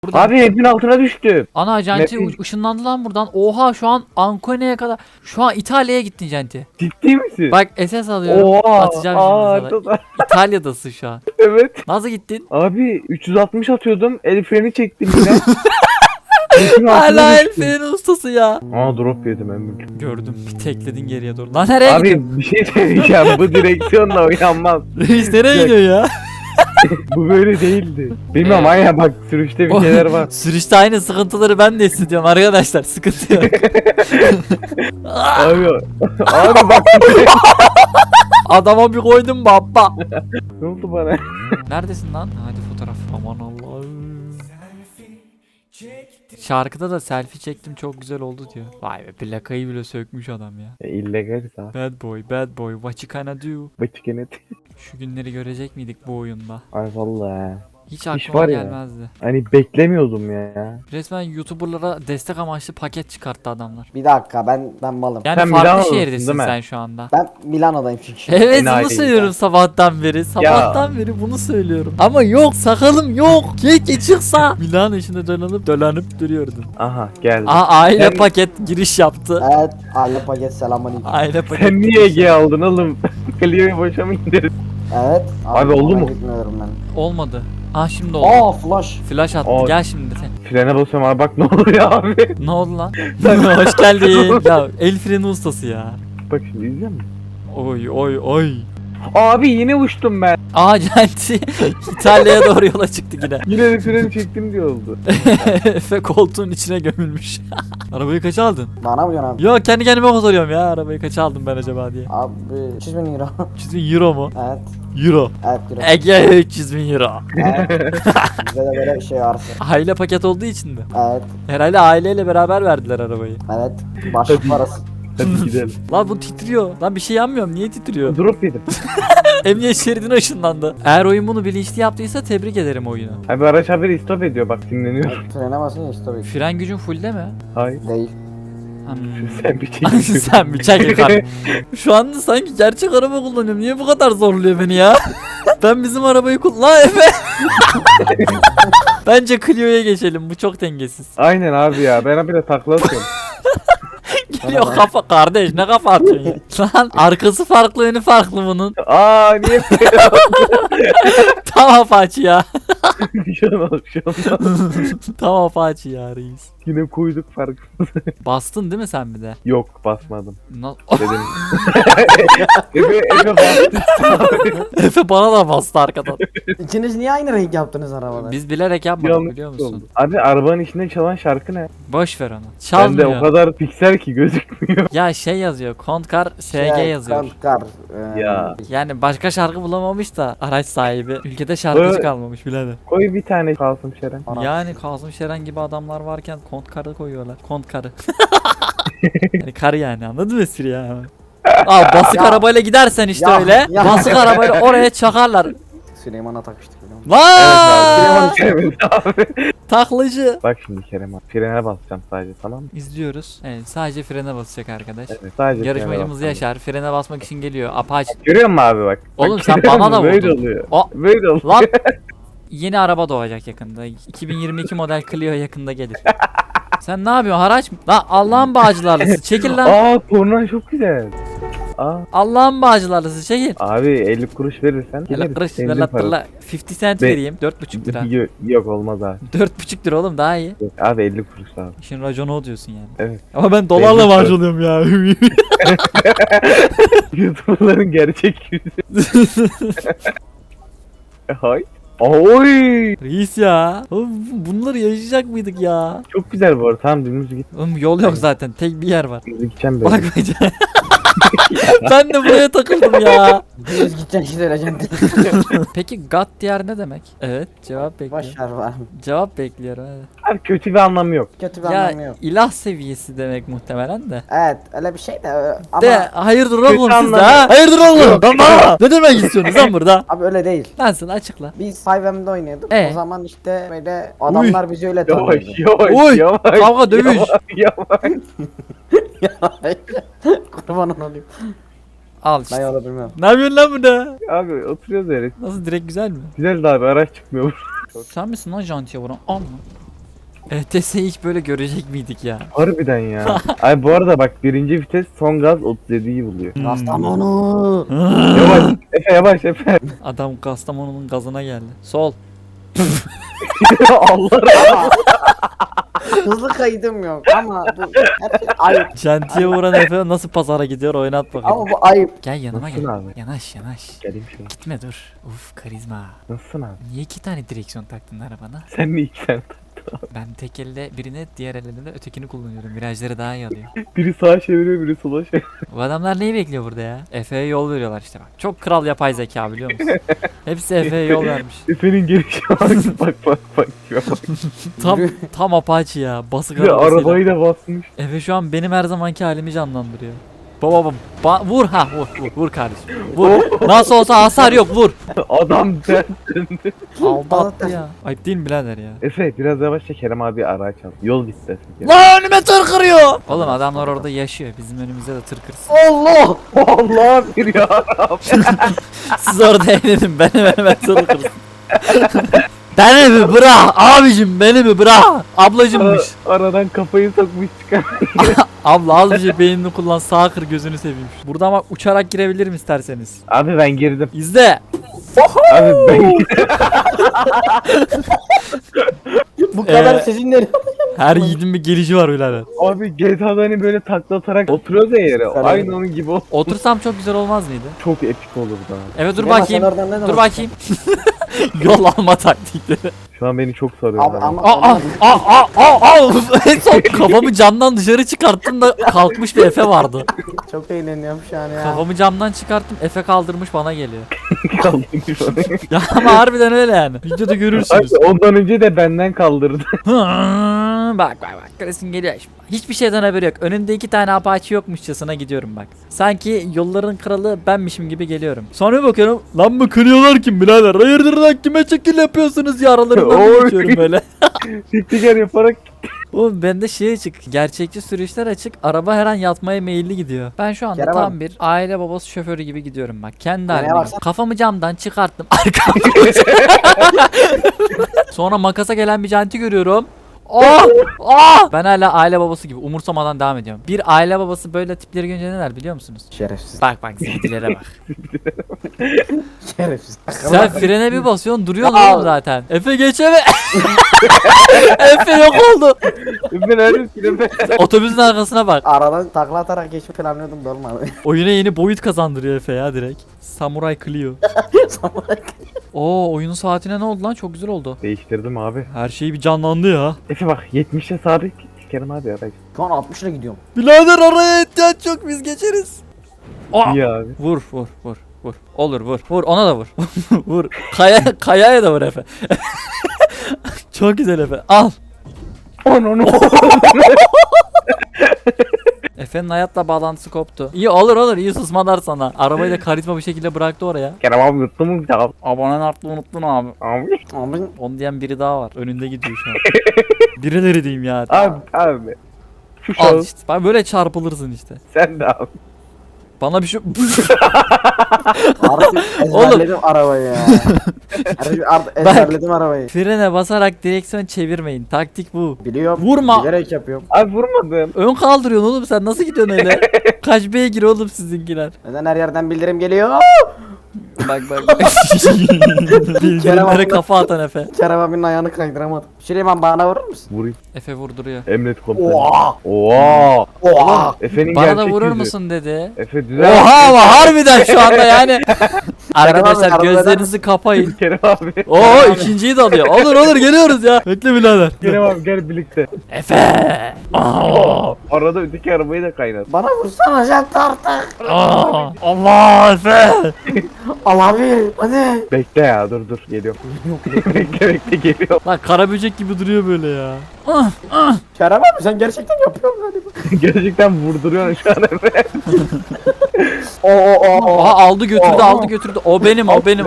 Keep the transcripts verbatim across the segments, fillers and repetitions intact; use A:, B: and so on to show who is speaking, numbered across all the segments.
A: Buradan.
B: Abi hepin altına düştü.
A: Ana Janti
B: Map'in-
A: ışınlandı lan buradan. Oha şu an Ancone'ye kadar. Şu an İtalya'ya gittin Janti.
B: Ciddi misin?
A: Bak S S alıyorum.
B: Oha.
A: Atacağım
B: Aa,
A: şimdi sana.
B: da-
A: İtalya'dasın şu an.
B: Evet.
A: Nasıl gittin?
B: Abi üç yüz altmış atıyordum. El freni çektim yine. Hepin altına
A: Hala el
B: düştü.
A: freni ustası ya.
B: Aa drop yedim Emre.
A: Gördüm. Bir tekledin geriye doğru. Lan nereye gidiyorsun?
B: Abi bir şey söyleyeceğim. Bu direksiyonla oynanmaz.
A: Reis nereye gidiyor ya?
B: Bu böyle değildi. Bilmiyorum aynen bak sürüşte bir şeyler var.
A: Sürüşte aynı sıkıntıları ben de hissediyorum arkadaşlar. Sıkıntı yok.
B: Abi, abi bak
A: Adama bir koydum baba.
B: ne oldu bana?
A: Neredesin lan? Hadi fotoğraf. Aman Allah'ım. Şarkıda da selfie çektim çok güzel oldu diyor. Vay be plakayı bile sökmüş adam ya.
B: E, illegal abi.
A: Bad boy, bad boy, what you gonna do?
B: Bıçkenet.
A: Şu günleri görecek miydik bu oyunda?
B: Ay vallahi.
A: Hiç
B: İş
A: aklıma
B: var ya.
A: gelmezdi.
B: Hani beklemiyordum ya.
A: Resmen YouTuber'lara destek amaçlı paket çıkarttı adamlar.
C: Bir dakika ben ben malım.
A: Yani
B: Sen
A: farklı
B: Milano'dasın,
A: şehirdesin
B: değil mi?
A: sen şu anda.
C: Ben Milano'dayım çünkü.
A: Evet
B: Enayi
A: bunu söylüyorum sabahtan beri. Sabahtan beri bunu söylüyorum. Ama yok sakalım yok. Keşke çıksa. Milano içinde dolanıp dolanıp duruyordun.
B: Aha geldi.
A: Aa aile
B: Sen-
A: paket giriş yaptı.
C: Evet, aile paket selamünaleyküm.
A: Aile paket.
B: Sen niye Ege aldın oğlum? Clio'yu boşa mı indirdin?
C: Evet.
B: Abi oldu
C: ona
B: mu?
C: Gitmiyorum ben.
A: Olmadı. Ah şimdi oldu.
C: Aa flash.
A: Flash attı.
B: Aa.
A: Gel şimdi sen.
B: Frene basıyorum abi bak ne oluyor abi.
A: Ne oldu lan? Hoş geldin. Ya el freni ustası ya.
B: Bak şimdi izliyor musun?
A: Oy oy oy.
B: Abi yine uçtum ben.
A: Aa Janti İtalya'ya doğru yola çıktı yine.
B: Yine de freni çektim diye oldu.
A: Efe koltuğun içine gömülmüş. Arabayı kaça aldın?
C: Bana mı diyorsun abi?
A: Yok kendi kendime soruyorum ya arabayı kaça aldım ben acaba diye.
C: Abi üç yüz bin euro.
A: üç yüz bin euro mu?
C: Evet.
A: Euro.
C: Evet euro.
A: Ege üç yüz bin euro.
C: Evet. Bizde de böyle bir şey varsa.
A: Aile paket olduğu için mi?
C: Evet.
A: Herhalde aileyle beraber verdiler arabayı.
C: Evet. Başlık parası.
B: Hadi gidelim.
A: Lan bu titriyor. Lan bir şey yanmıyorum. Niye titriyor?
B: Drop yedim.
A: Emniyet şeridine ışınlandı. Eğer oyun bunu bilinçli yaptıysa tebrik ederim oyunu.
B: Abi araç haberi stop ediyor bak dinleniyor.
C: Frene basınca işte tabii.
A: Fren gücün fullde mi?
B: Hayır.
C: Değil.
A: Hmm.
B: Sen bir şey
A: Sen bir çek yukarı. Şu anda sanki gerçek araba kullanıyorum. Niye bu kadar zorluyor beni ya? Ben bizim arabayı kullan... Lan Efe! Bence Clio'ya geçelim. Bu çok dengesiz.
B: Aynen abi ya ben habire takla atıyorum.
A: Geliyor kafa kardeş ne kafa atıyorsun ya? Lan arkası farklı önü farklı bunun.
B: Aa niye
A: Tam apaçı ya.
B: bir şey olmaz bir şey olmaz.
A: Tam apaçı ya reis.
B: Yine koyduk fark.
A: Bastın değil mi sen bir de?
B: Yok basmadım.
A: Na-
B: Dedim. Efe Efe bastı.
A: Efe bana da bastı arkadan.
C: İkiniz niye aynı renk yaptınız arabaları?
A: Biz bilerek yapmadık
B: Yanlış
A: biliyor musun?
B: oldu. Abi arabanın içinde çalan şarkı ne?
A: Boş ver onu.
B: Bende o
A: Çalmıyor.
B: kadar piksel ki gözükmüyor.
A: Ya şey yazıyor. Kontkar S G
C: Şey,
A: yazıyor.
C: Kar. E,
B: Ya.
A: Yani başka şarkı bulamamış da araç sahibi. Ülkede şarkıcı
B: Evet.
A: kalmamış birader.
B: Koy bir tane Kasım Şeren.
C: Ara.
A: Yani Kazım Şeren gibi adamlar varken Kontkar'ı koyuyorlar. Kontkar'ı. Yani karı yani anladın mı espri ya? Aa basık
C: Ya.
A: arabayla gidersen işte
C: Ya,
A: öyle.
C: ya.
A: Basık arabayla oraya çakarlar.
C: Süleyman'a takmıştık biliyor musun?
A: Vaaay!
B: Evet abi.
A: Taklacı.
B: Bak şimdi Kerem abi. Frene basacağım sadece tamam mı?
A: İzliyoruz. Evet sadece frene basacak arkadaş.
B: Evet sadece
A: Yarışmacımız
B: frene
A: Yaşar frene basmak için geliyor. Apache.
B: basacağım. Görüyor musun abi bak?
A: Oğlum
B: Bak,
A: sen
B: görüyor
A: bana da
B: musun? Böyle
A: vurdun.
B: oluyor.
A: O
B: Böyle oluyor.
A: lan yeni araba doğacak yakında. iki bin yirmi iki model Clio yakında gelir. Sen ne yapıyorsun haraç mı? Lan Allah'ın bağcılarlısı çekil lan.
B: Aa tornan çok güzel. Aa.
A: Allah'ın bağcılarlısı çekil.
B: Abi elli kuruş verirsen
A: Hele
B: geliriz.
A: kırış
B: Senin
A: ver
B: parası.
A: la elli cent
B: Be-
A: vereyim dört buçuk lira.
B: Yok, yok olmaz abi.
A: dört buçuk lira oğlum daha iyi.
B: Yok, abi elli kuruş abi.
A: İşin raconu o diyorsun yani.
B: Evet.
A: Ama ben dolarla
B: Belli
A: maaş alıyorum ya.
B: YouTuber'ların gerçek yüzü. Hay. Oy!
A: Reis ya. Oğlum bunları yaşayacak mıydık ya?
B: Çok güzel bu arada. Tamam dümdüz git.
A: Oğlum yol yok zaten. Tek bir yer var.
B: Dümdüz gideceğim böyle.
A: Bak bence. Ben de buraya takıldım ya.
C: Düz gideceksin işte öleceksin.
A: Peki God diğer ne demek? Evet cevap bekliyorum.
C: Boş ver var.
A: Cevap bekliyorum. Evet.
B: Abi kötü bir anlamı yok.
C: Kötü bir anlamı
A: Ya
C: yok.
A: ilah seviyesi demek muhtemelen de.
C: Evet öyle bir şey de e, ama
A: De hayırdır oğlum
B: Kötü
A: siz de
B: anlamı.
A: ha? Hayırdır oğlum?
B: Yok.
A: Tamam. Ne demek istiyorsunuz lan burada?
C: abi öyle değil.
A: Ben sana açıkla.
C: Biz five M'de oynuyorduk.
A: Ee?
C: O zaman işte böyle adamlar bizi öyle
B: Yavaş
C: tanıyordu.
B: yavaş
A: Oy,
B: yavaş.
A: kavga, dövüş.
B: Yavaş yavaş.
C: Kurban olayım.
A: Al işte.
C: Ben yolu bilmiyorum.
A: Ne yapıyorsun lan burada?
B: Abi oturuyoruz öyle.
A: Nasıl direkt güzel mi?
B: Güzel de abi araç çıkmıyor.
A: Sen misin lan jantiye vuran? Al lan. E T S'yi hiç böyle görecek miydik ya?
B: Harbiden ya. Ay bu arada bak birinci vites son gaz otuz yediyi buluyor.
C: Kastamonu.
B: Yavaş Efe yavaş Efe.
A: Adam Kastamonu'nun gazına geldi. Sol.
B: Allah razı
C: Hızlı kaydım yok ama bu her şey ayıp.
A: Şantiye vuran Efe nasıl pazara gidiyor oynat bakalım.
C: Ama bu ayıp.
A: Gel yanıma
B: Nasılsın
A: gel.
B: abi?
A: Yanaş yanaş.
B: Geleyim şuna.
A: Gitme dur. Uf karizma.
B: Nasılsın abi?
A: Niye iki tane direksiyon taktın arabana?
B: Sen mi ilk sen?
A: Ben tek elle birini diğer elle de ötekini kullanıyorum. Virajları daha iyi alıyor.
B: Biri sağa çeviriyor biri sola çeviriyor.
A: Bu adamlar neyi bekliyor burada ya? Efe'ye yol veriyorlar işte bak. Çok kral yapay zeka biliyor musun? Hepsi Efe'ye yol vermiş.
B: Efe'nin gelişi bak bak bak bak. Şuna bak.
A: Tam tam Apache ya. Basık
B: Bir de
A: arabasıyla.
B: arabayı da basmış.
A: Efe şu an benim her zamanki halimi canlandırıyor. Baba baba ba- vur ha vur vur, vur kardeşim. Vur. Nasıl olsa hasar yok vur.
B: Adam döndü.
A: Aldattı ya. Ayıp değil mi birader ya?
B: Efe biraz yavaşça Kerem abi araç al. Yol gitti Efe.
A: Lan önüme tır kırıyor. Oğlum adamlar orada yaşıyor. Bizim önümüzde de tır kırsın.
C: Allah.
B: Allah bir ya.
A: Siz orada eğlenin benim önüme tır kırsın. Beni mi bırak abicim beni mi bırak. Ablacımmış.
B: Aradan kafayı sokmuş çıkar.
A: Abla az bir şey beynini kullan sağ kır gözünü seveyim. Burada ama uçarak girebilirim isterseniz.
B: Abi ben girdim.
A: İzle.
B: Abi ben
C: Bu kadar
A: Ee,
C: sizinle.
A: Her yiğidin bir gelişi var birader.
B: Abi G T A'da hani böyle takla atarak oturuyoruz ya yere.
C: Sen
B: Aynı onun gibi o.
A: Otursam çok güzel olmaz mıydı?
B: Çok epik olurdu abi.
A: Evet dur
C: Süleyman,
A: bakayım.
C: sen oradan ne
A: Dur
C: zaman
A: bakayım. Yol alma taktikleri.
B: Şu an beni çok sarıyor.
C: Abi
B: abi.
C: ama
A: Aa aa aa aa aa. En son kafamı camdan dışarı çıkarttım da kalkmış bir Efe vardı.
C: çok eğleniyorum şu an ya.
A: Kafamı camdan çıkarttım Efe kaldırmış bana geliyor.
B: Kaldırmış onu.
A: Ya ama harbiden öyle yani. Videoda görürsünüz.
B: Abi ondan önce de benden kaldırdı.
A: Hı, bak bak bak resim geliyor şimdi. Hiçbir şeyden haberi yok. Önünde iki tane Apache yokmuşçasına gidiyorum bak. Sanki yolların kralı benmişim gibi geliyorum. Sonra bir bakıyorum. Lan mı kırıyorlar kim birader? Hayırdır lan kime şekil yapıyorsunuz ya aralarından
B: Oy.
A: bir geçiyorum böyle.
B: Tiktiker yaparak
A: Oğlum bende şey açık. Gerçekçi sürüşler açık. Araba her an yatmaya meyilli gidiyor. Ben şu anda
C: Kerem
A: tam
C: abi.
A: bir aile babası şoförü gibi gidiyorum bak. Kendi
C: Nereye
A: halimde.
C: baksana?
A: Kafamı camdan çıkarttım. Arkamda. Sonra makasa gelen bir canti görüyorum. Oh! Oh! Ben hala aile babası gibi umursamadan devam ediyorum. Bir aile babası böyle tipleri görünce ne der biliyor musunuz?
C: Şerefsiz.
A: Bak bak zildilere bak.
C: Şerefsiz.
A: Sen frene bir basıyorsun duruyorsun
C: Ya.
A: oğlum zaten. Efe geçeme. Efe yok oldu.
B: ben neredesin Efe?
A: Otobüsün arkasına bak.
C: Aradan takla atarak geçip planlıyordum da olmadı.
A: Oyuna yeni boyut kazandırıyor Efe ya direkt. Samurai Clio. Oo oyunun saatine ne oldu lan? Çok güzel oldu.
B: Değiştirdim abi.
A: Her şey bir canlandı ya.
B: Efe bak yetmişe sabit. Kerem abi araç.
C: Şu an altmışla gidiyorum.
A: Birader araya ihtiyaç yok biz geçeriz. Aa!
B: İyi abi.
A: Vur vur vur vur. Olur vur. Vur ona da vur. Vur. Kaya kayaya da vur Efe. Çok güzel Efe. Al.
B: On onu.
A: Efe'nin hayatla bağlantısı koptu. İyi olur olur iyi susmalar sana. Arabayı da karizma bir şekilde bıraktı oraya.
B: Kerem abi yuttu mu bir daha?
A: Abonen arttı unuttun abi.
B: Abi.
C: Ama
A: Onu diyen biri daha var. Önünde gidiyor şu an. Birileri diyeyim ya.
B: Abi abi. Şu
A: Al
B: şahıs
A: işte. Bak böyle çarpılırsın işte.
B: sen de al.
A: Bana bir şey...
C: artık ezberledim arabayı ya. Artık artık ezberledim arabayı.
A: Frene basarak direksiyon çevirmeyin. Taktik bu.
C: Biliyorum.
A: Vurma.
C: Bilerek yapıyorum.
B: Abi vurmadım.
A: Ön kaldırıyorsun oğlum sen nasıl gidiyorsun öyle? Kaç beygir oğlum sizinkiler?
C: Neden her yerden bildirim geliyor?
A: Bak bak bak. Bildirimlere kafa atan Efe.
C: Kerem abinin ayağını kaydıramadım. Süleyman bana vurur musun?
B: Vurayım.
A: Efe vurduruyor.
B: Emret komutanım.
C: Oha!
B: Oha.
C: Oha!
B: Efe'nin
A: Bana da
B: gerçek
A: vurur
B: yüzü.
A: musun dedi.
B: Efe düzel.
A: Oha ama harbiden şu anda yani. Arkadaşlar
C: Kerem abi,
A: gözlerinizi kapayın.
B: Kerem abi.
A: Oo ikinciyi de alıyor. Olur olur geliyoruz ya. Bekle birader.
B: Kerem abi gel birlikte.
A: Efe. Aa,
B: Arada öteki arabayı da kaynat.
C: Bana vursana jant artık.
A: aa, Allah Efe.
C: Al abi hadi.
B: Bekle ya dur dur geliyorum. bekle bekle geliyorum.
A: Lan kara böcek gibi duruyor böyle ya. Ah, ah.
C: Kerem abi sen gerçekten yapıyorsun galiba.
B: Gerçekten vurduruyorsun şu an Efe.
C: Oo oo oo.
A: Aha aldı götürdü
C: Oha.
A: aldı götürdü. O benim o benim.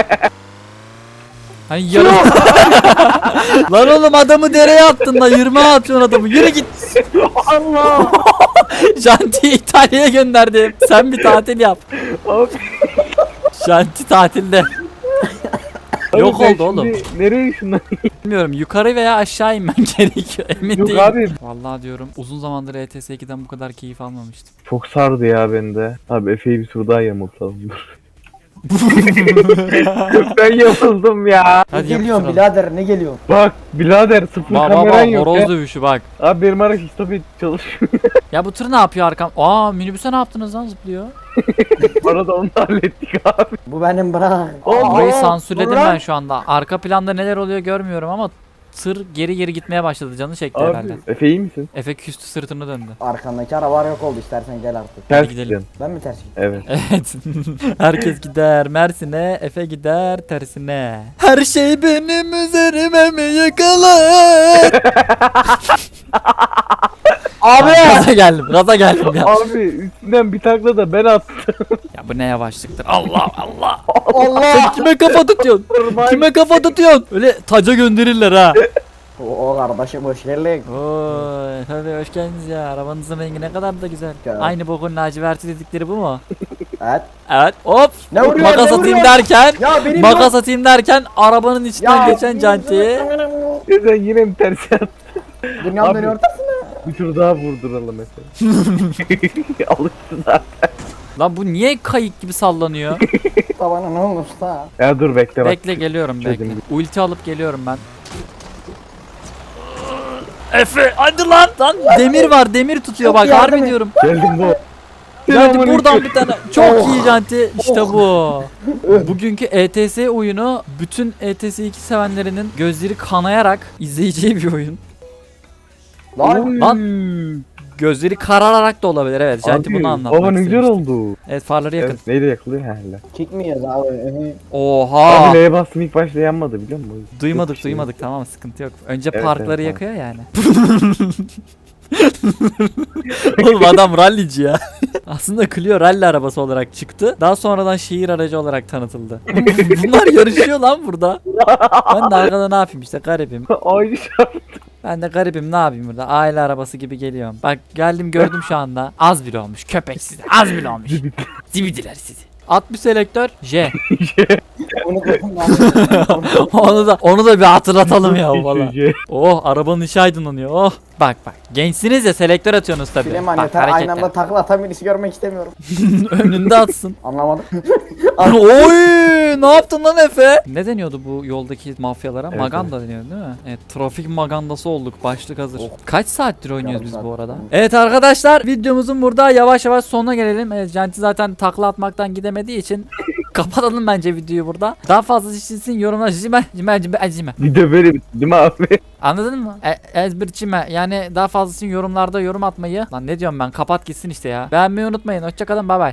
A: Hani yarım. Lan oğlum adamı dereye attın lan yirmi atıyorsun adamı. Yürü git.
C: Allah.
A: Janti'yi İtalya'ya gönderdim. Sen bir tatil yap.
B: Abi.
A: Janti tatilde. Yok
B: ben
A: oldu oğlum.
B: şimdi Nereye şundan?
A: Bilmiyorum, yukarı veya aşağı inmen gerekiyor. Emin
B: Yok
A: değilim.
B: abi.
A: Vallahi diyorum, uzun zamandır E T S ikiden bu kadar keyif almamıştım.
B: Çok sardı ya bende. Abi Efe'yi bir tur daha yamultalım. Ben yamuldım ya.
C: Ne
A: Hadi
C: geliyorsun
A: yapıştıralım.
C: birader ne geliyorsun?
B: Bak birader sıfır
A: Bak bak
B: kameran
A: bak,
B: yok
A: horoz
B: ya.
A: dövüşü bak.
B: Abi benim araç stop et çalışmıyor.
A: Ya bu tır ne yapıyor arkam? Aa, minibüse ne yaptınız lan, zıplıyor?
B: Bu arada onu da hallettik abi.
C: Bu benim bırak.
B: Aa,
A: Burayı
C: Aa,
A: sansürledim
C: dur lan.
A: ben şu anda. Arka planda neler oluyor görmüyorum ama tır geri geri gitmeye başladı, canı çekti
B: Abi
A: herhalde.
B: Efe iyi misin?
A: Efe küstü, sırtını döndü.
C: Arkandaki arabalar yok oldu istersen gel artık.
B: Ters
A: gidelim.
B: gidelim.
C: Ben mi ters gittim?
B: Evet.
A: Evet. Herkes gider Mersin'e, Efe gider tersine. Her şey benim üzerime mi yıkılır?
C: Abi!
A: Gaza geldim, gaza geldim ya.
B: Abi üstünden bir takla da ben attım.
A: Ya bu ne yavaşlıktır. Allah Allah.
C: Allah!
A: Sen kime kafa tutuyorsun? Kime kafa tutuyorsun? Öyle taca gönderirler ha.
C: O, o kardeşim hoş geldin.
A: Oy, tabii hoş geldiniz ya. Arabanızın rengi ne kadar da güzel.
C: Ya.
A: Aynı bokun laciverti dedikleri bu mu?
C: Evet.
A: Evet. Hop.
C: Ne vuruyor,
A: Makas
C: ne
A: atayım
C: vuruyor?
A: derken,
C: Ya benim
A: makas atayım derken arabanın içinden geçen
C: benim-
A: cantiyi.
B: Sen yine mi ters attın?
C: Dünyanın
B: Abi.
C: en ortasına.
B: Bir tur daha vurduralım mesela. Alıştı zaten.
A: Lan bu niye kayık gibi sallanıyor?
C: Tabana ne olmuş da?
B: Ya dur bekle bak.
A: Bekle, geliyorum bekle.
B: Çözüm.
A: Ulti alıp geliyorum ben. Efe hadi lan. Lan demir var, demir tutuyor
C: Çok
A: bak,
C: yardım
A: harbi
C: et.
A: diyorum.
B: Geldim bu.
A: Yani
B: Selamünaleyküm.
A: buradan bir tane çok
C: Oh.
A: iyi janti, işte bu. Bugünkü E T S oyunu bütün E T S iki sevenlerinin gözleri kanayarak izleyeceği bir oyun.
C: Lan.
A: Lan. Gözleri karararak da olabilir, evet. Janti
B: Abi,
A: bunu anlatmak
B: baba ne güzel
A: istemiştim.
B: oldu.
A: Evet, farları yakın.
B: Evet, neyle yakılıyor herhalde.
C: Çıkmıyoruz abi. Ehe.
A: Oha.
B: Abi L'ye bastım ilk başta yanmadı biliyor musun?
A: Duymadık
B: Çok şey.
A: duymadık, tamam, sıkıntı yok. Önce
B: Evet,
A: parkları
B: evet,
A: yakıyor yani. Oğlum adam rallici ya. Aslında Clio rally arabası olarak çıktı. Daha sonradan şehir aracı olarak tanıtıldı. Bunlar yarışıyor lan burada. Ben de arkada ne yapayım işte, garibim.
B: Aynı şart.
A: Ben de garibim, ne yapayım burada, aile arabası gibi geliyorum. Bak geldim gördüm şu anda. Az bile olmuş köpek sizi, az bile olmuş. Zibidiler sizi. At bir selektör J.
C: Unuttum lan.
A: onu da onu da bir hatırlatalım ya valla.
B: Üçüncü.
A: Oh, arabanın içi aydınlanıyor. Oh. Bak bak. Gençsiniz ya, selektör atıyorsunuz tabii.
C: Süleyman
A: Bak
C: yeter aynı
A: hareketler.
C: anda takla atan birisi görmek istemiyorum.
A: Önünde atsın.
C: Anlamadım.
A: Oy! Ne yaptın lan Efe? Ne deniyordu bu yoldaki mafyalara?
B: Evet,
A: Maganda deniyor değil mi? Evet, trafik magandası olduk. Başlık hazır.
C: Oh.
A: Kaç saattir oynuyoruz
C: Yarım
A: biz
C: saat.
A: bu arada? Evet arkadaşlar, videomuzun burada yavaş yavaş sonuna gelelim. Evet, Janti zaten takla atmaktan gidemediği için kapatalım bence videoyu burada. Daha fazla için yorumlar cime cime cime cime.
B: Bir de böyle bitti değil mi abi?
A: Anladın mı? E ezberçime. Yani daha fazlasını yorumlarda yorum atmayı. Lan ne diyorum ben? Kapat gitsin işte ya. Beğenmeyi unutmayın. Hoşçakalın. Bay bay.